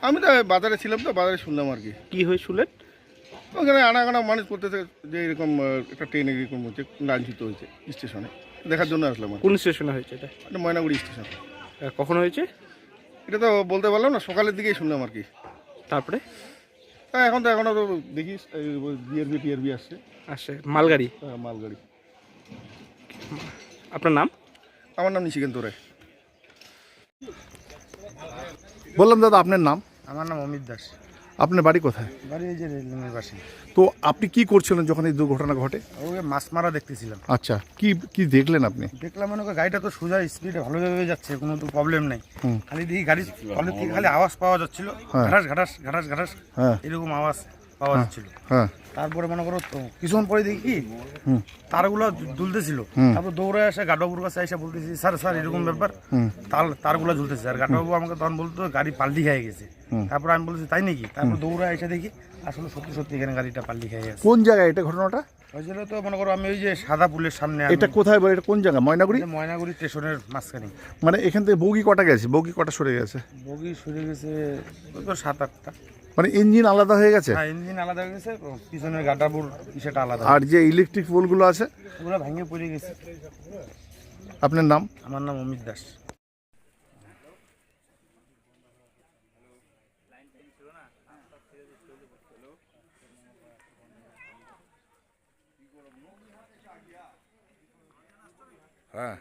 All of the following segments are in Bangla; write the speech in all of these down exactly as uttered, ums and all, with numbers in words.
আমি তো বাজারে ছিলাম, তো বাজারে শুনলাম আর কি। কি হয়ে শুনলেন? ওখানে আনাগানা মানুষ করতেছে যে এরকম আহ, একটা ট্রেন এরকম হচ্ছে, লাঞ্ছিত হয়েছে স্টেশনে, দেখার জন্য আসলাম আর কি। কোন স্টেশনে হয়েছে এটা? এটা ময়নাগুড়ি স্টেশন। আহ, কখন হয়েছে? এটা তো বলতে পারলাম না, সকালের দিকেই শুনলাম আর কি। তারপরে হ্যাঁ, এখন তো এখনও তো দেখিস বিআরবি টিআরবি আসছে। আসে মালগাড়ি। হ্যাঁ, মালগাড়ি। আপনার নাম? আমার নাম নিশিকান্ত রায়। বললাম দাদা আপনার নাম? আমার নাম অমিত দাস। আপনার বাড়ি কোথায়? বাড়ি এই যে রেলিংয়ের পাশে। তো আপনি কি করছিলেন যখন এই দুর্ঘটনা ঘটে? ওকে মাছ মারা দেখতেছিলাম। আচ্ছা, কি কি দেখলেন আপনি? দেখলাম মনে করি গাড়িটা তো সোজা স্পিডে ভালোভাবে যাচ্ছে, কোনো তো প্রবলেম নেই। হুম। খালি দেখি গাড়ি তলের থেকে খালি আওয়াজ পাওয়া যাচ্ছিল, হ্যাঁ। ঘাটাস ঘাটাস ঘাটাস ঘাটাস হ্যাঁ এরকম আওয়াজ পাওয়া যাচ্ছিল। হ্যাঁ তারপরে মনে করো তো কিছুক্ষণ পরে দেখি কি হুম। তারগুলো দুলতেছিল। হুম। তারপর দৌড়ে এসে গাডবাবুর কাছে এসে বলতেছি, স্যার স্যার এরকম ব্যাপার, হুম। তার তারগুলো ঝুলতেছে। আর গাডবাবু আমাকে তখন বলতো গাড়ি পাল্টি খেয়ে গেছে। হুম। তারপর আমি বলছি তাই নাকি? তারপর দৌড়ে এসে দেখি আসলে সত্যি সত্যি এখানে গাড়িটা পাল্টি খেয়ে গেছে। কোন জায়গায় এটা ঘটনাটা? হয়েছিল তো মনে করো আমি ওই যে সাদা পুলের সামনে, আমি এটা কোথায় বলে, এটা কোন জায়গা? ময়নাগুড়ি? এই যে ময়নাগুড়ি স্টেশনের মাঝখানে। মানে এখান থেকে বগি কটা গেছে, বগি কটা সরে গেছে? বগি সরে গেছে ওই তো সাত আটটা। মানে ইঞ্জিন আলাদা হয়ে গেছে হ্যাঁ, ইঞ্জিন আলাদা হয়ে গেছে, পিছনের গাটাপুর সেটা আলাদা। আর যে ইলেকট্রিক পোলগুলো আছে? ওগুলো ভেঙে পড়ে গেছে। আপনার নাম? আমার নাম অমিত দাস। হ্যাঁ।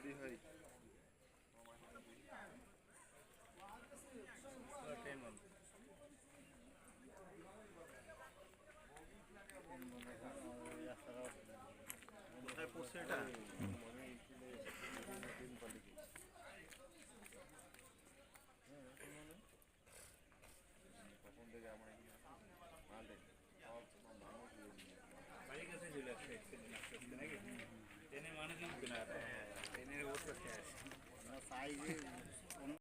ট্রেনের অবস্থা শেষ।